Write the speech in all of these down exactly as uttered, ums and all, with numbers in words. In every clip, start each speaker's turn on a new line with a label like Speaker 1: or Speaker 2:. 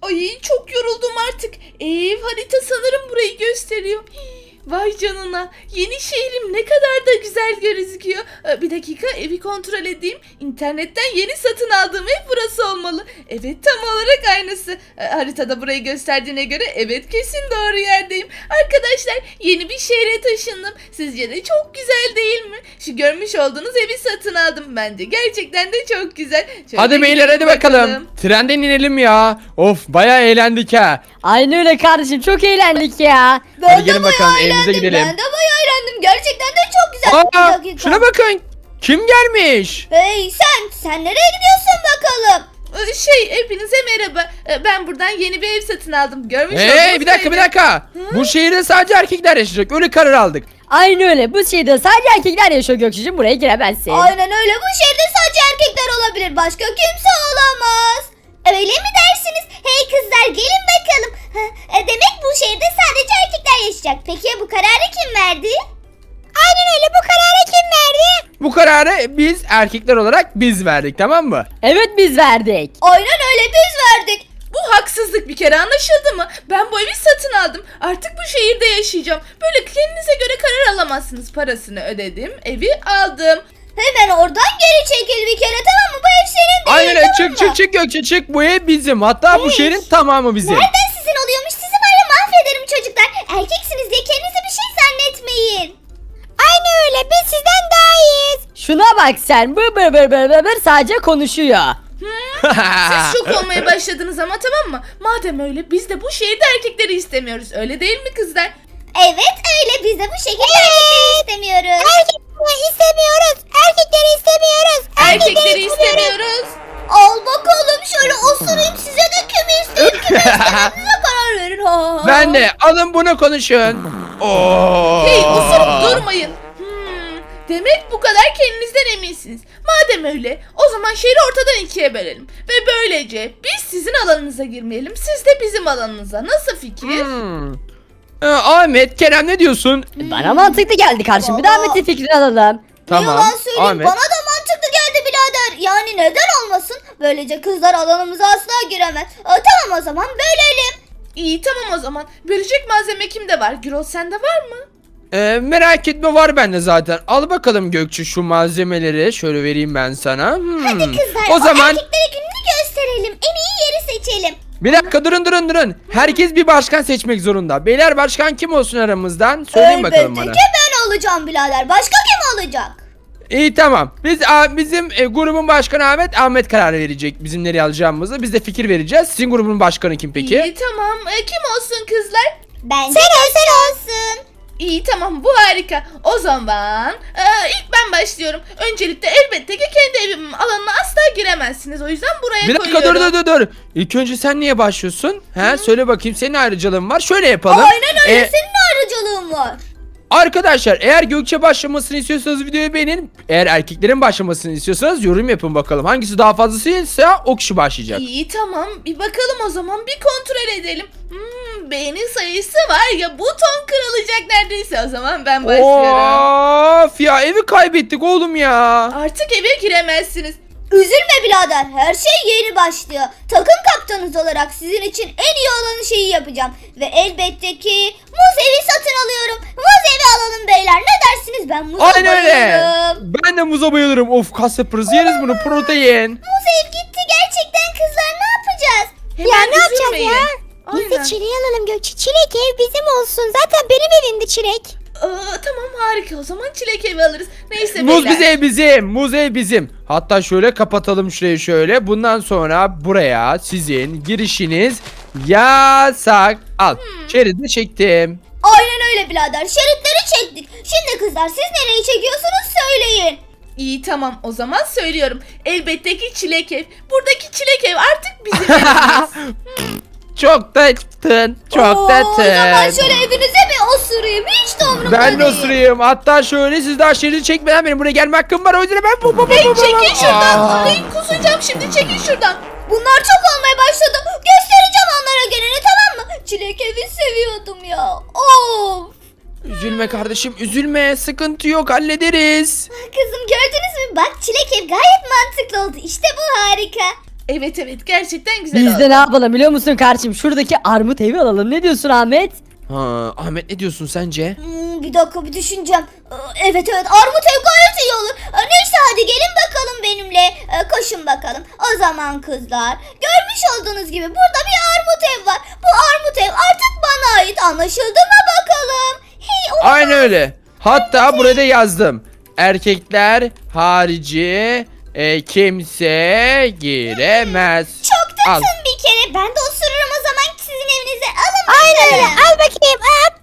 Speaker 1: Ay çok yoruldum artık. Ev harita sanırım burayı gösteriyor. Hii, vay canına. Yeni şehrim ne kadar da güzel gözüküyor. Ee, Bir dakika evi kontrol edeyim. İnternetten yeni satın aldığım ev burası olmalı. Evet tam olarak aynısı. Ee, Haritada burayı gösterdiğine göre evet kesin doğru yerdeyim. Arkadaşlar yeni bir şehre taşındım. Sizce de çok güzel değil mi? Şu görmüş olduğunuz evi satın aldım. Bence gerçekten de çok güzel. Şöyle
Speaker 2: Hadi beyler hadi bakalım. Trenden inelim ya. Of bayağı eğlendik ha.
Speaker 3: Aynen öyle kardeşim, çok eğlendik ya.
Speaker 4: Ben
Speaker 2: Hadi
Speaker 4: de
Speaker 2: gelin
Speaker 4: bayağı
Speaker 2: bakalım, evimize
Speaker 4: eğlendim.
Speaker 2: gidelim.
Speaker 4: Ben de bayağı eğlendim. Gerçekten de çok güzel.
Speaker 2: Aa,
Speaker 4: Bir dakika.
Speaker 2: şuna bakın. Kim gelmiş?
Speaker 4: Hey sen, sen nereye gidiyorsun bakalım?
Speaker 1: Ee, Şey hepinize merhaba. Ee, Ben buradan yeni bir ev satın aldım. Görmüş
Speaker 2: Hey
Speaker 1: olduğunuz
Speaker 2: bir dakika
Speaker 1: evi.
Speaker 2: bir dakika. Bu şehirde sadece erkekler yaşayacak. Öyle karar aldık.
Speaker 3: Aynen öyle, bu şehirde sadece erkekler yaşıyor Gökçe'cim, buraya giremezsin.
Speaker 4: Aynen öyle. Bu şehirde sadece erkekler olabilir. Başka kimse olamaz. Öyle mi dersiniz? Hey kızlar gelin bakalım. Ha, e, demek bu şehirde sadece erkekler yaşayacak. Peki ya bu kararı kim verdi? Aynen öyle. Bu kararı kim verdi?
Speaker 2: Bu kararı biz erkekler olarak biz verdik, tamam mı?
Speaker 3: Evet, biz verdik.
Speaker 4: Aynen öyle biz verdik.
Speaker 1: Bu haksızlık bir kere anlaşıldı mı? Ben bu evi satın aldım. Artık bu şehirde yaşayacağım. Böyle kendinize göre karar alamazsınız. Parasını ödedim. Evi aldım.
Speaker 4: Hemen oradan geri çekil bir kere, tamam mı? Bu ev senin değil,
Speaker 2: Aynen öyle.
Speaker 4: tamam
Speaker 2: Çık
Speaker 4: mı?
Speaker 2: çık çık Gökçe çık. Bu ev bizim. Hatta bu
Speaker 4: Hey.
Speaker 2: şehrin tamamı bizim.
Speaker 4: Nereden sizin oluyormuş? Sizi var ya mahvederim çocuklar. Erkeksiniz diye kendinize bir şey zannetmeyin. Aynı öyle. Biz sizden daha iyiyiz.
Speaker 3: Şuna bak sen, bır bır bır bır bır bır sadece konuşuyor.
Speaker 1: Siz şok olmaya başladınız ama tamam mı? Madem öyle biz de bu şehirde erkekleri istemiyoruz. Öyle değil mi kızlar?
Speaker 4: Evet öyle. Biz de bu şekilde erkekleri istemiyoruz. Erkekleri istemiyoruz. Erkekleri istemiyoruz.
Speaker 1: Erkekleri istemiyoruz.
Speaker 4: Al bakalım şöyle osurayım, size de kimi isteyeyim kimi istemediğinize karar verin. Ha.
Speaker 2: Ben de alın bunu konuşun. Oo.
Speaker 1: Hey osurup durmayın. Hmm, demek bu kadar kendinizden eminsiniz. Madem öyle o zaman şehri ortadan ikiye bölelim. Ve böylece biz sizin alanınıza girmeyelim. Siz de bizim alanınıza. Nasıl fikir?
Speaker 2: Hmm. Ee, Ahmet, Kerem ne diyorsun?
Speaker 3: Bana mantıklı geldi kardeşim, bir de
Speaker 4: Baba.
Speaker 3: Ahmet'in fikrini alalım.
Speaker 4: Ne yalan söyleyeyim,
Speaker 2: Ahmet.
Speaker 4: bana da mantıklı geldi birader. Yani neden olmasın? Böylece kızlar alanımıza asla giremez. Aa, tamam o zaman bölelim.
Speaker 1: İyi tamam o zaman. Bölecek malzeme kimde var? Gürol sende var mı?
Speaker 2: Ee, merak etme, var bende zaten. Al bakalım Gökçe şu malzemeleri. Şöyle vereyim ben sana. Hmm.
Speaker 4: Hadi kızlar
Speaker 2: O zaman
Speaker 4: erkeklere gününü gösterelim. En iyi yeri seçelim.
Speaker 2: bir dakika durun durun durun. Herkes bir başkan seçmek zorunda. Beyler başkan kim olsun aramızdan? Söyleyin bakalım bana.
Speaker 4: Elbette ki ben olacağım birader. Başka kim olacak?
Speaker 2: İyi tamam. Biz a, bizim e, grubun başkanı Ahmet. Ahmet karar verecek bizim nereye alacağımızı. Biz de fikir vereceğiz. Sizin grubun başkanı kim peki?
Speaker 1: İyi tamam. E, kim olsun kızlar?
Speaker 4: Bence sen, sen olsun.
Speaker 1: İyi tamam bu harika. O zaman e, ilk ben başlıyorum. Öncelikle elbette ki kendi evimin alanına asla giremezsiniz. O yüzden buraya
Speaker 2: Bir dakika dur
Speaker 1: koyuyorum.
Speaker 2: dur dur dur. İlk önce sen niye başlıyorsun? He söyle bakayım, senin ayrıcalığın var. Şöyle yapalım.
Speaker 4: Aynen öyle,
Speaker 2: Ee,
Speaker 4: senin ayrıcalığın var.
Speaker 2: Arkadaşlar eğer Gökçe başlamasını istiyorsanız videoyu beğenin. Eğer erkeklerin başlamasını istiyorsanız yorum yapın bakalım. Hangisi daha fazlasıysa o kişi başlayacak.
Speaker 1: İyi tamam bir bakalım o zaman bir kontrol edelim. Hmm, beğeni sayısı var ya buton kırılacak neredeyse, o zaman ben başlıyorum.
Speaker 2: Of ya, evi kaybettik oğlum ya.
Speaker 1: Artık eve giremezsiniz.
Speaker 4: Üzülme birader, her şey yeni başlıyor. Takım kaptanınız olarak sizin için en iyi olan şeyi yapacağım. Ve elbette ki muz evi satın alıyorum. Muz evi alalım beyler, ne dersiniz? Ben muza
Speaker 2: Aynen öyle.
Speaker 4: bayılırım.
Speaker 2: Ben de muza bayılırım. Of, kas yaparız, yeriz bunu, protein.
Speaker 4: Muz ev gitti gerçekten kızlar, ne yapacağız?
Speaker 1: Hemen üzülmeyin.
Speaker 4: Biz de
Speaker 1: Aynen.
Speaker 4: çileği alalım Gökçe. Çilek ev bizim olsun. Zaten benim evimdi çilek.
Speaker 1: Aa, tamam harika, o zaman çilek evi alırız. Neyse
Speaker 2: Muz
Speaker 1: beyler.
Speaker 2: bize bizim, muz ev bizim. Hatta şöyle kapatalım şurayı şöyle. Bundan sonra buraya sizin girişiniz yasak. Al, şeridi çektim.
Speaker 4: Aynen öyle birader, şeritleri çektik. Şimdi kızlar siz nereyi çekiyorsunuz söyleyin.
Speaker 1: İyi tamam o zaman söylüyorum. Elbette ki çilek ev. Buradaki çilek ev artık bizim evimiz.
Speaker 2: Çok tatlı, çok
Speaker 4: Oo, O zaman
Speaker 2: tatlı.
Speaker 4: şöyle evinize bir osurayım. Hiç de umurumda
Speaker 2: Ben de
Speaker 4: değil.
Speaker 2: osurayım. Hatta şöyle, siz daha şeridi çekmeden benim buraya gelme hakkım var. O yüzden ben bu bu bu
Speaker 1: Hey
Speaker 2: bu- bu-
Speaker 1: çekil şuradan.
Speaker 2: Aa.
Speaker 1: Ay kusacağım şimdi, çekil şuradan.
Speaker 4: Bunlar çok olmaya başladı. Göstereceğim onlara gününü, tamam mı? Çilek evi seviyordum ya. Of.
Speaker 2: Üzülme kardeşim, üzülme. Sıkıntı yok, hallederiz.
Speaker 4: Kızım gördünüz mü? Bak çilek ev gayet mantıklı oldu. İşte bu harika.
Speaker 1: Evet evet gerçekten güzel
Speaker 3: Biz
Speaker 1: oldu.
Speaker 3: de ne yapalım biliyor musun kardeşim? Şuradaki armut evi alalım. Ne diyorsun Ahmet?
Speaker 2: Ha, Ahmet ne diyorsun sence?
Speaker 4: Hmm, bir dakika bir düşüneceğim. Ee, Evet evet armut ev gayet iyi olur. Ee, Neyse hadi gelin bakalım benimle. Ee, Koşun bakalım. O zaman kızlar. Görmüş olduğunuz gibi burada bir armut ev var. Bu armut ev artık bana ait. Anlaşıldı mı bakalım? Hey, o-
Speaker 2: Aynen öyle. Hatta burada yazdım. Erkekler harici e, kimse giremez.
Speaker 4: Çok
Speaker 2: Al.
Speaker 4: tatlım bir kere. Ben de osururum o zaman sizin evinize. Alın Aynen öyle. Al bakayım.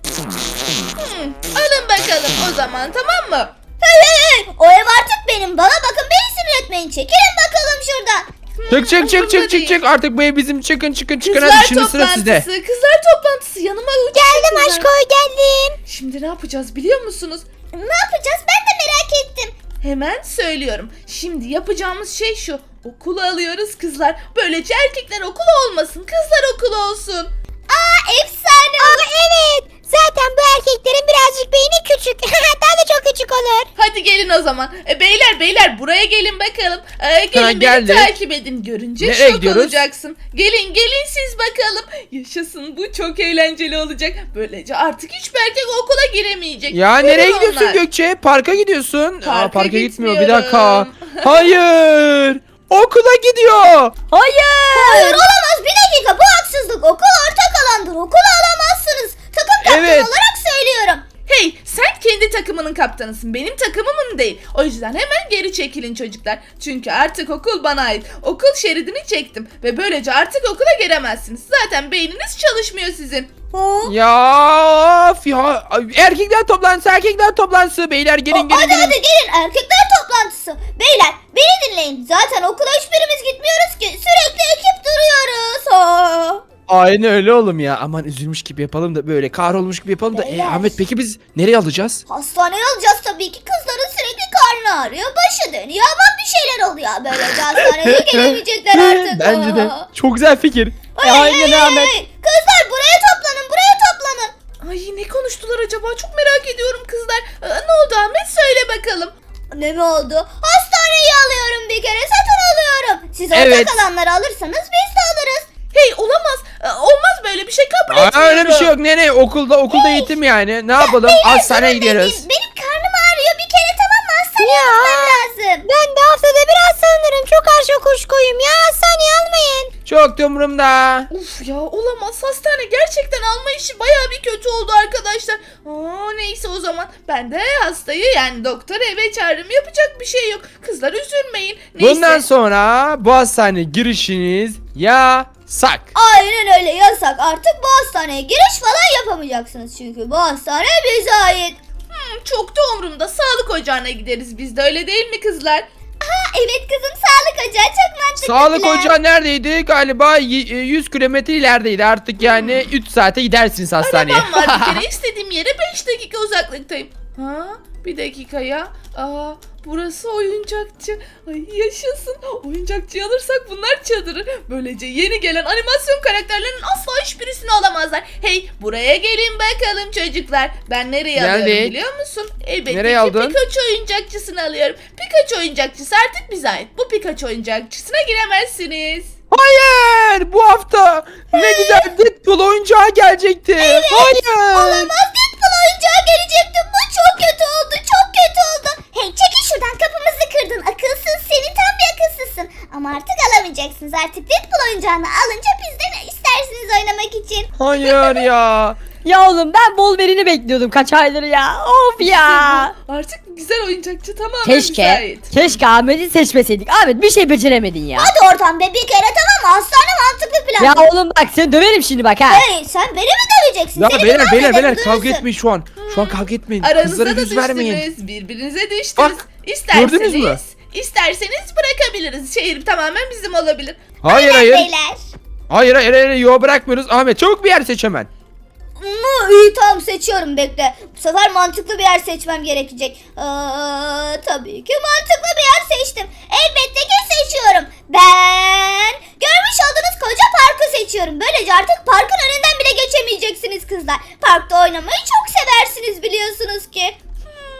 Speaker 1: Hmm, alın bakalım o zaman tamam mı?
Speaker 4: Hey hey hey. O ev artık benim. Bana bakın beni sinir etmeyin. Çekilin bakalım şuradan.
Speaker 2: Çık çık çık
Speaker 1: umurumda
Speaker 2: çık çık
Speaker 1: değil.
Speaker 2: çık artık bu ev bizim, çıkın çıkın çıkın
Speaker 1: Kızlar
Speaker 2: hadi şimdi sıra sizde.
Speaker 1: toplantısı, kızlar toplantısı yanıma geldim aşko.
Speaker 4: geldim.
Speaker 1: Şimdi ne yapacağız biliyor musunuz?
Speaker 4: Ne yapacağız ben de merak ettim.
Speaker 1: Hemen söylüyorum. Şimdi yapacağımız şey şu. Okulu alıyoruz kızlar. Böylece erkekler okulu olmasın. Kızlar okulu olsun.
Speaker 4: Aa efsane olur. Evet. Zaten bu erkeklerin birazcık beyni küçük. Daha da çok küçük olur.
Speaker 1: Hadi gelin o zaman. E, beyler beyler buraya gelin bakalım. E, gelin
Speaker 2: Ha,
Speaker 1: beni
Speaker 2: geldik.
Speaker 1: takip edin. Görünce
Speaker 2: Nereye
Speaker 1: şok
Speaker 2: gidiyoruz?
Speaker 1: olacaksın. Gelin gelin siz bakalım. Yaşasın bu çok eğlenceli olacak. Böylece artık hiçbir erkek okula giremeyecek.
Speaker 2: Ya
Speaker 1: Görün
Speaker 2: nereye gidiyorsun
Speaker 1: onlar.
Speaker 2: Gökçe? Parka gidiyorsun.
Speaker 1: Parka
Speaker 2: Aa, parka gitmiyor bir
Speaker 1: gitmiyorum.
Speaker 2: dakika. Hayır. Okula gidiyor.
Speaker 3: Hayır.
Speaker 4: Hayır olamaz bir dakika bu haksızlık. Okul ortak alandır. Okulu alamazsınız. Takım kaptanı
Speaker 2: Evet.
Speaker 4: olarak söylüyorum.
Speaker 1: Hey sen kendi takımının kaptanısın. Benim takımımın değil. O yüzden hemen geri çekilin çocuklar. Çünkü artık okul bana ait. Okul şeridini çektim. Ve böylece artık okula giremezsiniz. Zaten beyniniz çalışmıyor sizin.
Speaker 2: Ya, of ya erkekler toplantısı erkekler toplantısı beyler gelin gelin
Speaker 4: Hadi
Speaker 2: gelin.
Speaker 4: hadi gelin erkekler toplantısı. Beyler beni dinleyin. Zaten okula hiçbirimiz gitmiyoruz ki. Sürekli ekip duruyoruz. Ha.
Speaker 2: Aynen öyle oğlum ya. Aman üzülmüş gibi yapalım da böyle kahrolmuş gibi yapalım da. E,
Speaker 4: Beyler.
Speaker 2: Ahmet peki biz nereye alacağız?
Speaker 4: Hastaneye alacağız tabii ki. Kızların sürekli karnı ağrıyor. Başı dönüyor ama bir şeyler oluyor. Böylece hastaneye gelemeyecekler artık.
Speaker 2: Bence de.
Speaker 4: Aa.
Speaker 2: Çok güzel fikir.
Speaker 4: Ay,
Speaker 3: Ya,
Speaker 4: ay,
Speaker 3: aynen
Speaker 4: ay,
Speaker 3: Ahmet.
Speaker 4: ay. Kızlar buraya toplanın. Buraya toplanın.
Speaker 1: Ay ne konuştular acaba? Çok merak ediyorum kızlar. Aa, ne oldu Ahmet? Söyle bakalım.
Speaker 4: Ne mi oldu? Hastaneyi alıyorum bir kere. Satın alıyorum. Siz ortak
Speaker 2: Evet.
Speaker 4: alanları alırsanız biz de alırız.
Speaker 1: Hey olamaz. Aa, olmaz böyle bir şey kabul
Speaker 2: Aa,
Speaker 1: etmiyorum.
Speaker 2: öyle bir şey yok. Nereye? Okulda okulda eğitim yani. Ne yapalım? Hastaneye
Speaker 4: Benim,
Speaker 2: gidiyoruz.
Speaker 4: benim karnım ağrıyor bir kere tamam mı? Hastaneye almam lazım. Ben de haftada biraz sanırım. Çok aşağı kuşkoyum ya. Hastaneye almayın.
Speaker 2: Çok da umurumda.
Speaker 1: Uf ya olamaz. Hastane gerçekten alma işi baya bir kötü oldu arkadaşlar. Aa, neyse o zaman ben de hastayı yani doktoru eve çağırırım. Yapacak bir şey yok. Kızlar üzülmeyin. Neyse.
Speaker 2: Bundan sonra bu hastane girişiniz yasak.
Speaker 4: Aynen öyle yasak. Artık bu hastaneye giriş falan yapamayacaksınız. Çünkü bu hastane bize ait.
Speaker 1: Hmm, çok da umurumda. Sağlık ocağına gideriz biz de öyle değil mi kızlar?
Speaker 4: Ha evet kızım sağlık ocağı çok mantıklı.
Speaker 2: Sağlık
Speaker 4: plan.
Speaker 2: ocağı neredeydi? Galiba y- e, yüz kilometre ilerideydi. Artık yani üç saate gidersiniz hastaneye.
Speaker 1: Arabam var bir kere istediğim yere beş dakika uzaklıktayım. Ha bir dakika ya. Aa, burası oyuncakçı. Ay yaşasın. Oyuncakçı alırsak bunlar çadırı. Böylece yeni gelen animasyon karakterlerinin asla hiçbirisini alamazlar. Hey buraya gelin bakalım çocuklar. Ben nereye
Speaker 2: Geldik.
Speaker 1: alıyorum biliyor musun? Elbette
Speaker 2: Nereye
Speaker 1: ki
Speaker 2: aldın?
Speaker 1: Pikachu oyuncakçısını alıyorum. Pikachu oyuncakçısı artık bize ait. Bu Pikachu oyuncakçısına giremezsiniz.
Speaker 2: Hayır! Bu hafta ne güzel Deadpool oyuncağı gelecekti. Hayır!
Speaker 4: Olamaz Deadpool oyuncağı gelecekti. Bu çok kötü oldu. Çok kötü oldu. Hey çekil şuradan kapımızı kırdın. Akılsız seni tam bir akılsızsın. Ama artık alamayacaksınız. Artık Deadpool oyuncağını alınca bizden istersiniz oynamak için.
Speaker 2: Hayır ya.
Speaker 3: Ya oğlum ben Wolverine'i bekliyordum kaç aydır ya. Of ya.
Speaker 1: Bu Artık güzel oyuncakçı tamamen bize
Speaker 3: Keşke,
Speaker 1: ait.
Speaker 3: keşke Ahmet'i seçmeseydik. Ahmet bir şey beceremedin ya.
Speaker 4: Hadi oradan be bir kere tamam mı? Hastane mantıklı plan.
Speaker 3: Ya oğlum bak seni döverim şimdi bak ha.
Speaker 4: Hey sen beni mi döveceksin?
Speaker 2: Ya
Speaker 4: Seni
Speaker 2: beyler
Speaker 4: mi
Speaker 2: beyler
Speaker 4: mahvederim,
Speaker 2: beyler kavga
Speaker 4: duyuyorsun?
Speaker 2: etmeyin şu an. Şu an kavga etmeyin.
Speaker 1: Aranızda
Speaker 2: Kızlara
Speaker 1: da
Speaker 2: yüz vermeyin.
Speaker 1: düştünüz. Birbirinize düştünüz.
Speaker 2: Bak, gördünüz mü?
Speaker 1: İsterseniz, isterseniz bırakabiliriz. Şehir tamamen bizim olabilir.
Speaker 2: Hayır
Speaker 4: Aynen
Speaker 2: hayır.
Speaker 4: Beyler.
Speaker 2: Hayır hayır hayır. Yo bırakmıyoruz. Ahmet çabuk bir yer seç hemen.
Speaker 4: Mu, iyi tamam seçiyorum bekle. Bu sefer mantıklı bir yer seçmem gerekecek. Aa, tabii ki mantıklı bir yer seçtim. Elbette ki seçiyorum. Ben görmüş olduğunuz koca parkı seçiyorum. Böylece artık parkın önünden bile geçemeyeceksiniz kızlar. Parkta oynamayı çok seversiniz biliyorsunuz ki.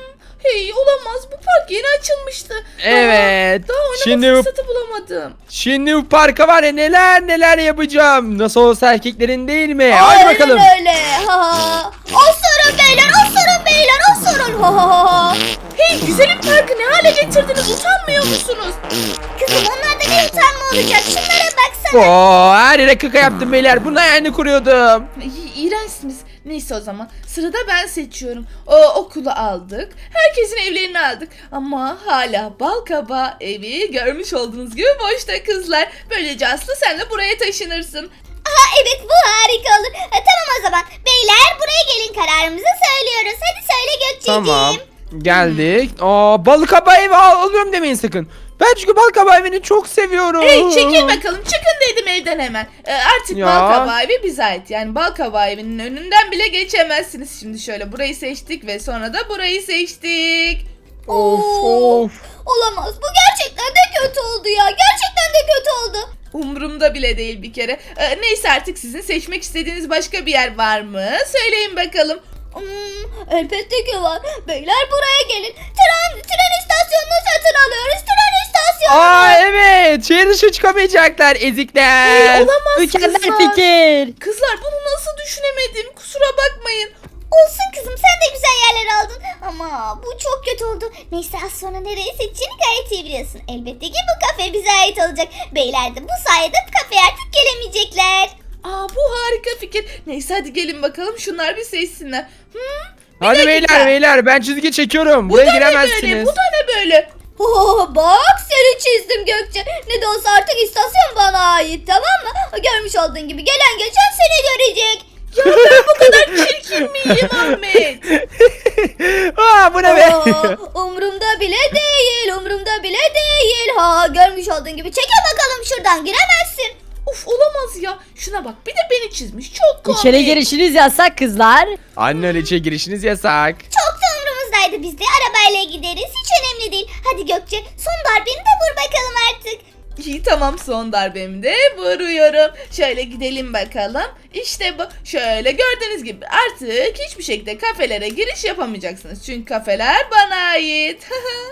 Speaker 1: Hey olamaz, bu park yeni açılmıştı.
Speaker 2: Evet.
Speaker 1: Daha, daha oynama
Speaker 2: Şimdi bu-
Speaker 1: fırsatı bulamadım.
Speaker 2: Şimdi bu parka var ya neler neler yapacağım. Nasıl olsa erkeklerin değil mi? Hadi
Speaker 4: Aynen
Speaker 2: bakalım.
Speaker 4: öyle. Ha. Osurun beyler, osurun beyler, osurun. Ha, ha, ha.
Speaker 1: Hey güzelim parkı ne hale getirdiniz, utanmıyor musunuz?
Speaker 4: Kızım onlarda ne utanma olacak? Şunlara baksana.
Speaker 2: Oo, her yere kaka yaptım beyler. Bunun ayağını kuruyordum.
Speaker 1: İ- İğrençsiniz. Neyse o zaman sırada ben seçiyorum. O okulu aldık. Herkesin evlerini aldık. Ama hala Balkaba evi görmüş olduğunuz gibi boşta kızlar. Böylece Aslı sen de buraya taşınırsın.
Speaker 4: Aha evet bu harika olur. Ha, tamam o zaman. Beyler buraya gelin kararımızı söylüyoruz. Hadi söyle Gökçeciğim.
Speaker 2: Tamam. Geldik. Aa, balık hava evi al- alıyorum demeyin sakın. Ben çünkü balık hava evini çok seviyorum.
Speaker 1: Hey çekil bakalım, çıkın dedim evden hemen. Ee, artık
Speaker 2: Ya.
Speaker 1: Balkaba evi bize ait. Yani Balkaba evinin önünden bile geçemezsiniz. Şimdi şöyle burayı seçtik ve sonra da burayı seçtik.
Speaker 2: Of
Speaker 4: Oo,
Speaker 2: of.
Speaker 4: Olamaz. Bu gerçekten de kötü oldu ya. Gerçekten de kötü oldu.
Speaker 1: Umurumda bile değil bir kere. Ee, neyse artık sizin seçmek istediğiniz başka bir yer var mı? Söyleyin bakalım.
Speaker 4: Hmm, elbette ki var. Beyler buraya gelin. Tren, tren istasyonunu satın alıyoruz. Tren istasyonu.
Speaker 2: Aa evet. Şehir dışı çıkamayacaklar ezikler.
Speaker 1: Hey, olamaz
Speaker 3: Mükemmel
Speaker 1: kızlar.
Speaker 3: fikir.
Speaker 1: Kızlar bunu nasıl düşünemedim? Kusura bakmayın.
Speaker 4: Olsun kızım sen de güzel yerler aldın. Ama bu çok kötü oldu. Neyse az sonra nereye seçeceğini gayet iyi biliyorsun. Elbette ki bu kafe bize ait olacak. Beyler de bu sayede bu kafeye artık gelemeyecekler.
Speaker 1: Aa bu harika fikir. Neyse hadi gelin bakalım şunlar bir seçsinler. Hmm, bir
Speaker 2: Hadi
Speaker 1: dakika.
Speaker 2: beyler beyler ben çizgi çekiyorum.
Speaker 1: Bu
Speaker 2: Buraya
Speaker 1: da ne böyle?
Speaker 2: giremezsiniz.
Speaker 1: Bu da ne böyle?
Speaker 4: Oh, bak seni çizdim Gökçe. Ne de olsa artık istasyon bana ait tamam mı? Görmüş olduğun gibi gelen geçen seni görecek.
Speaker 1: Ya ben bu kadar çirkin miyim Ahmet?
Speaker 2: Aa bu ne be?
Speaker 4: Aa, umrumda bile değil, umrumda bile değil. Ha görmüş olduğun gibi çeke bakalım şuradan giremezsin.
Speaker 1: Uf olamaz ya. Şuna bak bir de beni çizmiş. Çok komik.
Speaker 3: İçeri girişiniz yasak kızlar.
Speaker 2: Anne öyle içe girişiniz yasak.
Speaker 4: Çok da umrumuzdaydı biz de arabayla gideriz hiç önemli değil. Hadi Gökçe son darbeni de vur bakalım artık.
Speaker 1: İyi tamam, son darbemi de vuruyorum. Şöyle gidelim bakalım. İşte bu. Şöyle gördüğünüz gibi artık hiçbir şekilde kafelere giriş yapamayacaksınız. Çünkü kafeler bana ait.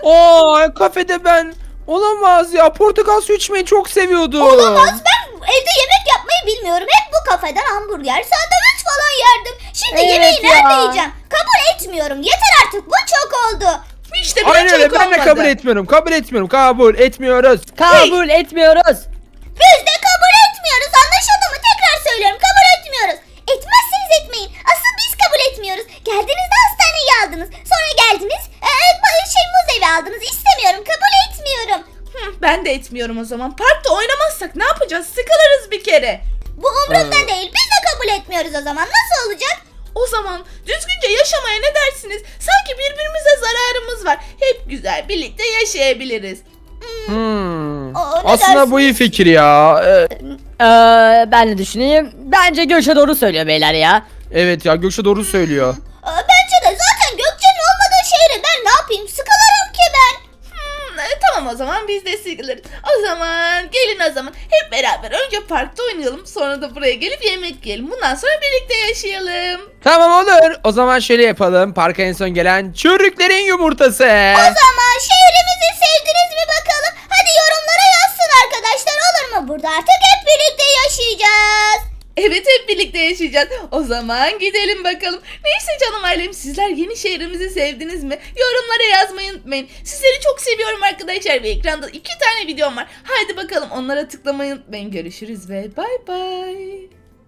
Speaker 2: Oo kafede ben olamaz ya portakal suyu içmeyi çok seviyordum.
Speaker 4: Olamaz ben evde yemek yapmayı bilmiyorum. Hep bu kafeden hamburger, sandviç falan yerdim. Şimdi
Speaker 3: Evet
Speaker 4: yemeği
Speaker 3: ya.
Speaker 4: nerede yiyeceğim? Kabul etmiyorum. Yeter artık bu çok oldu.
Speaker 1: İşte bu
Speaker 2: Aynen
Speaker 1: çok
Speaker 2: öyle ben de
Speaker 1: olmadı.
Speaker 2: kabul etmiyorum. Kabul etmiyorum. Kabul etmiyoruz.
Speaker 3: Kabul etmiyoruz.
Speaker 4: Biz de kabul etmiyoruz. Anlaşıldı mı? Tekrar söylüyorum. Kabul etmiyoruz. Etmezseniz etmeyin. Asıl biz kabul etmiyoruz. Geldiğinizde hastaneye aldınız. Sonra geldiniz. Ee, şey muz evi aldınız. İstemiyorum. Kabul etmiyorum.
Speaker 1: Hı, ben de etmiyorum o zaman. Parkta oynamazsak ne yapacağız? Sıkılırız bir kere.
Speaker 4: Bu umurumda
Speaker 2: Aa.
Speaker 4: değil. Biz de kabul etmiyoruz o zaman. Nasıl olacak?
Speaker 1: O zaman düzgünce yaşamaya ne dersiniz? Sanki birbirimize zararımız var. Hep güzel birlikte yaşayabiliriz.
Speaker 2: Hmm.
Speaker 4: Aa, ne
Speaker 2: Aslında
Speaker 4: dersin?
Speaker 2: bu iyi fikir ya. Ee,
Speaker 3: Ee, ben de düşüneyim. Bence Gökçe doğru söylüyor beyler ya.
Speaker 2: evet ya Gökçe doğru söylüyor.
Speaker 4: Aa, bence de zaten Gökçe'nin olmadığı şehre ben ne yapayım? Sıkılırım ki ben.
Speaker 1: Hmm, e, tamam o zaman biz de sıkılırız. O zaman gelin o zaman hep beraber önce parkta oynayalım. Sonra da buraya gelip yemek yiyelim. Bundan sonra birlikte yaşayalım.
Speaker 2: Tamam olur. O zaman şöyle yapalım. Parka en son gelen çürüklerin yumurtası.
Speaker 4: O zaman şehrimizi sevdiniz mi bakalım? Hadi yorumlara yazsın arkadaşlar olur mu? Burada artık hep birlikte yaşayacağız.
Speaker 1: Evet hep birlikte yaşayacağız. O zaman gidelim bakalım. Neyse canım ailem, sizler yeni şehrimizi sevdiniz mi? Yorumlara yazmayı unutmayın. Sizleri çok seviyorum arkadaşlar ve ekranda iki tane videom var. Haydi bakalım onlara tıklamayı unutmayın. Görüşürüz ve bay bay.